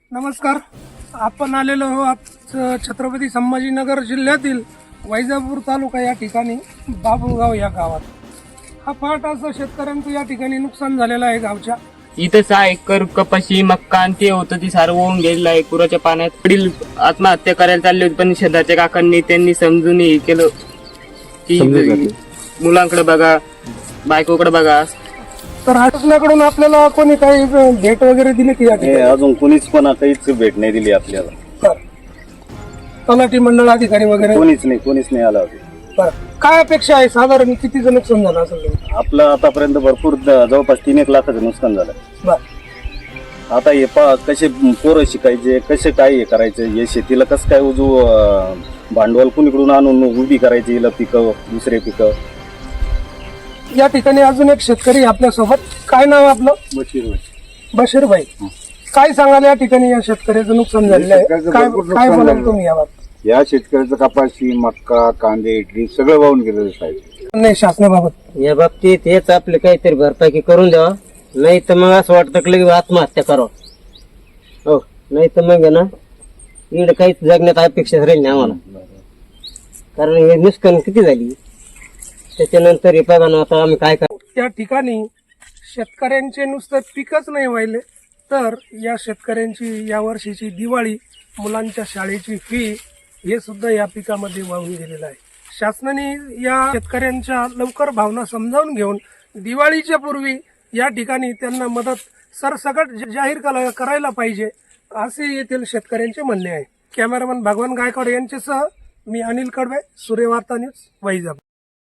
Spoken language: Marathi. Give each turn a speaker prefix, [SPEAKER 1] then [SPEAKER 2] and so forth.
[SPEAKER 1] नमस्कार. आपण आलेलो आहोत छत्रपती संभाजीनगर जिल्ह्यातील वैजापूर तालुका या ठिकाणी बाबुळगाव या गावात. हा फाट असं शेतकऱ्यांचं या ठिकाणी नुकसान झालेलं आहे गावच्या.
[SPEAKER 2] इथं 6 एकर कपाशी मक्का आणि ते होतं ती सारं वाहून गेलेलं आहे पुराच्या पाण्यात. वडील आत्महत्या करायला चालले होते पण शेजारच्या काकांनी त्यांनी समजून हे केलं की मुलांकडे बघा, बायकोकडे बघा.
[SPEAKER 1] तर शासनाकडून आपल्याला कोणी काही भेट वगैरे दिली की या ठिकाणी?
[SPEAKER 3] अजून कोणीच पण काहीच भेट नाही दिली आपल्याला.
[SPEAKER 1] तर तलाठी मंडळ अधिकारी वगैरे
[SPEAKER 3] कोणीच नाही आला.
[SPEAKER 1] तर काय अपेक्षा आहे, साधारण कितीचं नुकसान झालं असेल?
[SPEAKER 3] आपलं आतापर्यंत भरपूर जवळपास 3-1 लाखाचं नुकसान झालं.
[SPEAKER 1] बर.
[SPEAKER 3] आता हे कसे पोरं शिकायचे, कसे काय हे करायचे, हे शेतीला कसं काय भांडवल कुणीकडून आणून उभी करायची, हिला पिकं दुसरे पिकं.
[SPEAKER 1] या ठिकाणी अजून एक शेतकरी आपल्या सोबत. काय नाव आपलं? बशीर भाई. काय सांगाल या ठिकाणी या शेतकऱ्याचं नुकसान झालेलं आहे? काय बोलाल तुम्ही यावर?
[SPEAKER 4] या शेतकऱ्याचं कपाशी, मक्का, कांदे, ड्रीप सगळं वाहून गेलेलं साहेब.
[SPEAKER 1] नाही, शासनाबाबत
[SPEAKER 5] या बाबतीत हेच आपले काहीतरी भरपाई करून द्यावा, नाही तर मग असं वाटतं की लगेच आत्महत्या करावं. हो, नाही तर मग ना इकडे काहीच जगण्यात अपेक्षा राहील नाही आम्हाला, कारण हे नुकसान किती झाली. त्याच्यानंतर हे बघा ना आता आम्ही काय करू.
[SPEAKER 1] त्या ठिकाणी शेतकऱ्यांचे नुसतं पिकच नाही व्हायले, तर या शेतकऱ्यांची या वर्षीची दिवाळी, मुलांच्या शाळेची फी हे सुद्धा या पिकामध्ये वाहून गेलेलं आहे. शासनाने या शेतकऱ्यांच्या लवकर भावना समजावून घेऊन दिवाळीच्या पूर्वी या ठिकाणी त्यांना मदत सरसकट जाहीर करायला पाहिजे, असे येथील शेतकऱ्यांचे म्हणणे आहे. कॅमेरामन भगवान गायकवाड यांच्यासह मी अनिल कडवे, सूर्यवार्ता न्यूज, वैजापूर.